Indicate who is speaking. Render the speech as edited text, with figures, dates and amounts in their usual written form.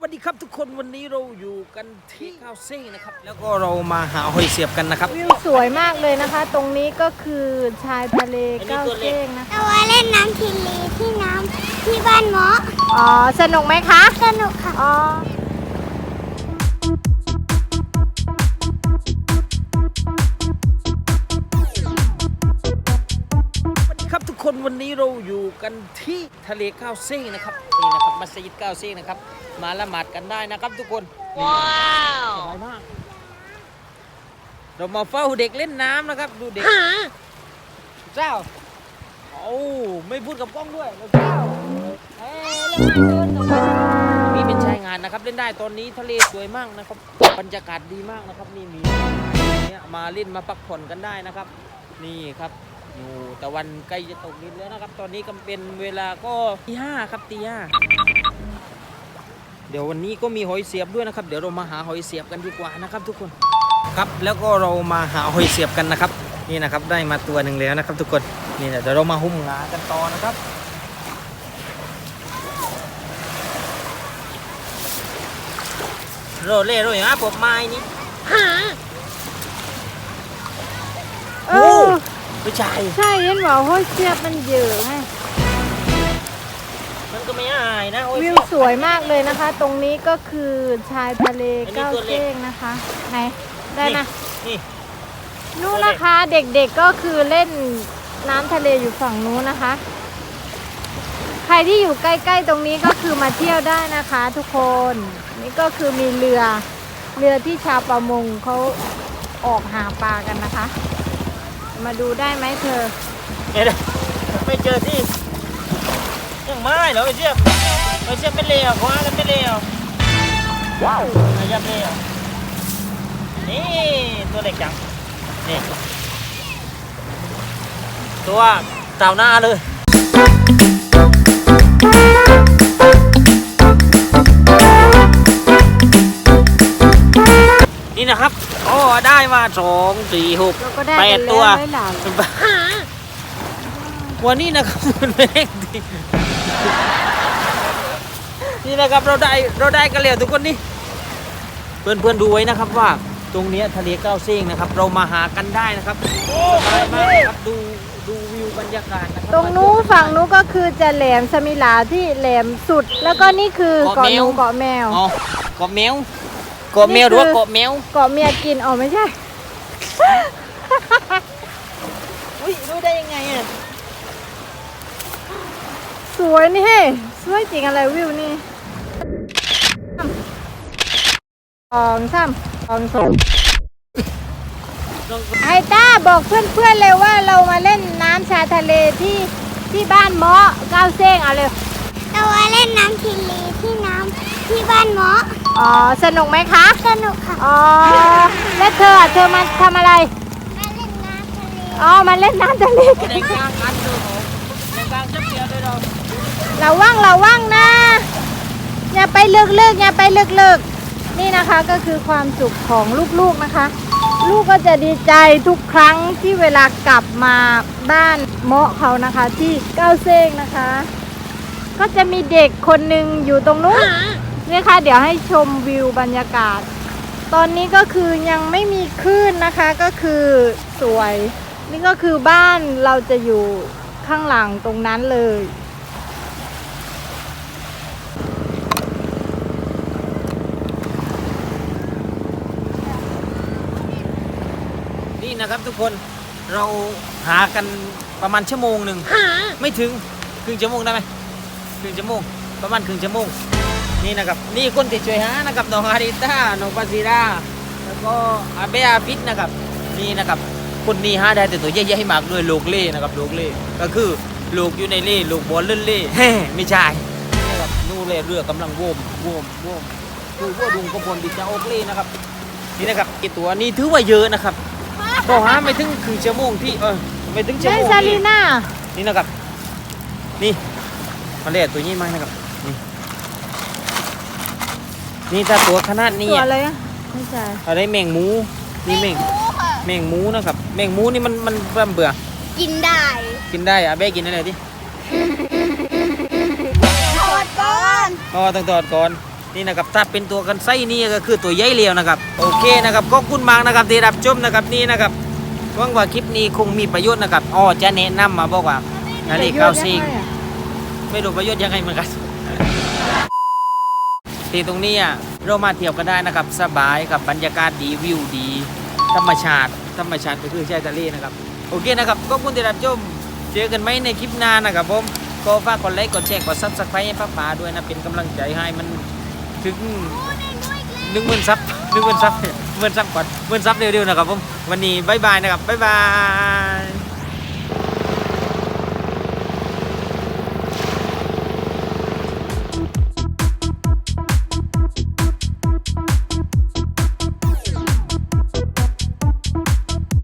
Speaker 1: สดีครับทุกคนวันนี้เราอยู่กันที่ก้าวเซ้งนะครับแล้วก็เรามาหาหอยเสียบกันนะครับ
Speaker 2: วิวสวยมากเลยนะคะ ตรงนี้ก็คือชายทะเลก้าวเซ้งนะคะ
Speaker 3: เราว่าเล่นน้ำทะเลที่น้ำที่บ้านเมาะ
Speaker 2: อ๋อสนุกไหมคะ
Speaker 3: สนุกค่ะ
Speaker 2: อ๋อ
Speaker 1: ครับทุกคนวันนี้เราอยู่กันที่ทะเลก้าวเซ้งนะครับนี่นะครับมัสยิดก้าวเซ้งนะครับมาละหมาดกันได้นะครับทุกคนว้าวสบายมากเรามาเฝ้าเด็กเล่นน้ำนะครับดูเด็กเจ้าโอ้ไม่พูดกับกล้องด้วยเจ้านี่เป็นชายงานนะครับเล่นได้ตอนนี้ทะเลสวยมากนะครับบรรยากาศดีมากนะครับนี่มีเนี่ยมาเล่นมาพักผ่อนกันได้นะครับนี่ครับอยู่ตะวันใกล้จะตกดินแล้วนะครับตอนนี้ก็เป็นเวลาก็ตี 5ครับตี 5เดี๋ยววันนี้ก็มีหอยเสียบด้วยนะครับเดี๋ยวเรามาหาหอยเสียบกันดีกว่านะครับทุกคนครับแล้วก็เรามาหาหอยเสียบกันนะครับนี่นะครับได้มาตัวหนึ่งแล้วนะครับทุกคนนี่เดี๋ยวเรามาหุ้มงากันต่อนะครับโรเล่โรอย่างพวกไม้นี่
Speaker 2: เออ
Speaker 1: ไม่ใช่
Speaker 2: ใช่เห็นว่าห้อยเสียบมันเยอะไง
Speaker 1: มันก็ไม่อายนะ
Speaker 2: วิวสวยมากเลยนะคะ ตรงนี้ก็คือชายทะเลก้าวเซ้งนะคะไหนได้นะ
Speaker 1: นี่
Speaker 2: นู่นนะคะเด็กๆก็คือเล่นน้ำทะเลอยู่ฝั่งนู้นนะคะใครที่อยู่ใกล้ๆตรงนี้ก็คือมาเที่ยวได้นะคะ ทุกคนนี่ก็คือมีเรือที่ชาวประมงเขาออกหาปลากันนะคะมาดูได้ไหมเธอ
Speaker 1: ไม่เจอที่ยังไม่เหรอไอ้เจี๊ยบเป็นเลวคว้ากันเป็นเลวว้าวไอ้เจี๊ยบเลวนี่ตัวเล็กจังนี่ตัวเต่าหน้าเลยนี่นะครับโอ้ได้มา2 4 6 8 ตัววันนี้นะครับมันเล็กดีนี่นะครับเราได้กันแล้วทุกคนนี่เพื่อนดูไว้นะครับว่าตรงนี้ทะเลก้าวเซ้งนะครับเรามาหากันได้นะครับสบายมากครับดูวิวบรรยากาศนะครับ
Speaker 2: ตรงนู้นฝั่งนู้นก็คือจะแหลมสมิลาที่แหลมสุดแล้วก็นี่คือเกาะนูเกาะแมว
Speaker 1: อ๋อเกาะแมวหรือว่าเกาะแมว
Speaker 2: เกาะเมียกินอ๋อไม่ใช่
Speaker 1: อุ้ยรู้ได้ยังไงอ่ะ
Speaker 2: สวยนี่เฮ้สวยจริงอะไรวิวนี่2 3 ไอต้าบอกเพื่อนๆเลยว่าเรามาเล่นน้ำชายทะเลที่บ้านเมาะก้าวเซ้งเอาเลย
Speaker 3: เราว่าเล่นน้ำทะเลที่น้ำที่บ้านเมาะ
Speaker 2: อ๋อสนุกไหมคะ
Speaker 3: สนุกค่ะ
Speaker 2: อ๋อแล้วเธอมาทำอะไร
Speaker 3: มาเล่นน้ำทะเล
Speaker 2: อ๋อมาเล่นน้ำทะเล
Speaker 1: ในกลางอันเดิมในกลางจับเดียวเลย
Speaker 2: เราว่างนะอย่าไปลึกนี่นะคะก็คือความสุขของลูกๆนะคะลูกก็จะดีใจทุกครั้งที่เวลากลับมาบ้านเมาะเขานะคะที่ก้าวเซ้งนะคะก็จะมีเด็กคนหนึ่งอยู่ตรงนู้นนี่ค่ะเดี๋ยวให้ชมวิวบรรยากาศตอนนี้ก็คือยังไม่มีคลื่นนะคะก็คือสวยนี่ก็คือบ้านเราจะอยู่ข้างหลังตรงนั้นเลย
Speaker 1: นี่นะครับทุกคนเราหากันประมาณ1 ชั่วโมงไม่ถึงครึ่งชั่วโมงได้ไหมครึ่งชั่วโมงประมาณครึ่งชั่วโมงนี่นะครับนี่คนที่ช่วยหานะครับน้องอาริต้าน้องปาซิราแล้วก็อาเบอาฟิตนะครับนี่นะครับคนนี้หาได้แต่ตัวใหญ่ๆมากด้วยโลกเล่นะครับโลกเล่ก็คือลูกอยู่ในเล่ลูกบอลเล่นเล่ไม่ใช่นะครับนู่นเล่เรือกำลังว่มดูว่าดุงกระพลดิจะโอกเล่นะครับนี่นะครับกี่ตัวนี่ถือว่าเยอะนะครับก็หาไม่ถึงครึ่งชั่วโมงที่ไม่ถึงชั่วโมง
Speaker 2: ซาลีน่า
Speaker 1: นี่นะครับนี่มาเล่ตัวนี้มานะครับนี่ถ้าตัวขนาดนี้
Speaker 2: ตัวอะไรอ่ะไม่ใช่
Speaker 1: อะไรแมงมูนี่แมงมูนะครับแมงมูนี่มันเบื่อ
Speaker 3: กินได้
Speaker 1: อ่ะเบ้กินอะไรดิ
Speaker 3: ทอดก่อน
Speaker 1: ต้องทอดก่อนนี่นะครับถ้าเป็นตัวกันไส้นี่ก็คือตัวใหญ่เลียวนะครับโอเคนะครับขอบคุณมากนะครับที่รับชมนะครับนี่นะครับหวังว่าคลิปนี้คงมีประโยชน์นะครับอ๋อจะแนะนำมาบอกว่านาฬิกาซิงไม่รู้ประโยชน์ยังไงเหมือนกัน ที่ตรงนี้เรามาเที่ยวกันได้นะครับสบายกับบรรยากาศดีวิวดีธรรมชาติก็คือชายทะเลนะครับโอเคนะครับขอบคุณที่รับชมเจอกันไหมในคลิปหน้านะครับผมก็ฝากกดไลค์กดแชร์กดซับสไครต์ให้ป้าป๋าด้วยนะเป็นกำลังใจให้มันถึง10,000 ซับ10,000 ซับ10,000 ซับก่อน10,000 ซับเร็วๆนะครับผมวันนี้บ๊ายบายนะครับบ๊ายบาย